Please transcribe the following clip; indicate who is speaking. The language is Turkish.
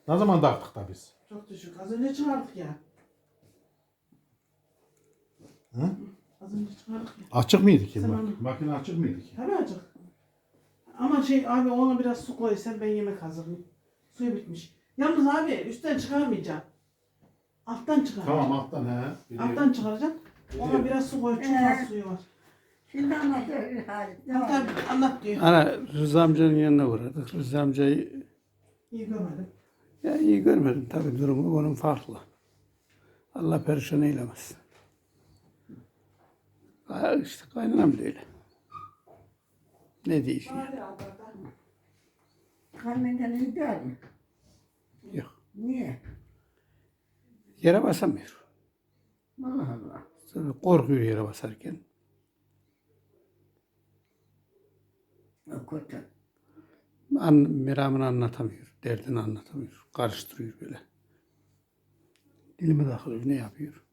Speaker 1: Ne zaman taktık da biz?
Speaker 2: Çok düşük. Az önce çıkardık ya.
Speaker 1: Hı?
Speaker 2: Az önce çıkardık ya.
Speaker 1: Açık mıydı ki?
Speaker 2: Zamanı.
Speaker 1: Makine açık mıydı ki?
Speaker 2: Tabii acık. Ama abi ona biraz su koysan ben yemek hazırlayayım. Suyu bitmiş. Yalnız abi üstten çıkarmayacağım. Alttan çıkaracağım.
Speaker 1: Tamam alttan he.
Speaker 2: Alttan çıkaracağım. Ona biraz su koy. Çok az suyu var.
Speaker 3: Şimdi anlatıyor Halit. Ne
Speaker 2: Tabii
Speaker 3: var?
Speaker 2: tabii anlat diyor.
Speaker 4: Ana Rıza amcanın yanına uğradık. Rıza amcayı
Speaker 2: İyi görmedim.
Speaker 4: ya iyi görmedim tabii, durumu onun farklı. Allah perişan eylemesin. Ha, işte kaynanam da öyle. Ne diyeyim?
Speaker 2: Hadi Albert'a.
Speaker 3: Kalbimden iyi değil mi?
Speaker 4: Yok.
Speaker 3: Niye?
Speaker 4: Yere basamıyor.
Speaker 3: Allah Allah.
Speaker 4: Tabii korkuyor yere basarken.
Speaker 3: O kötü.
Speaker 4: Meramını anlatamıyor. Derdini anlatamıyor. Karıştırıyor böyle. Dilime takılıyor. Ne yapıyor?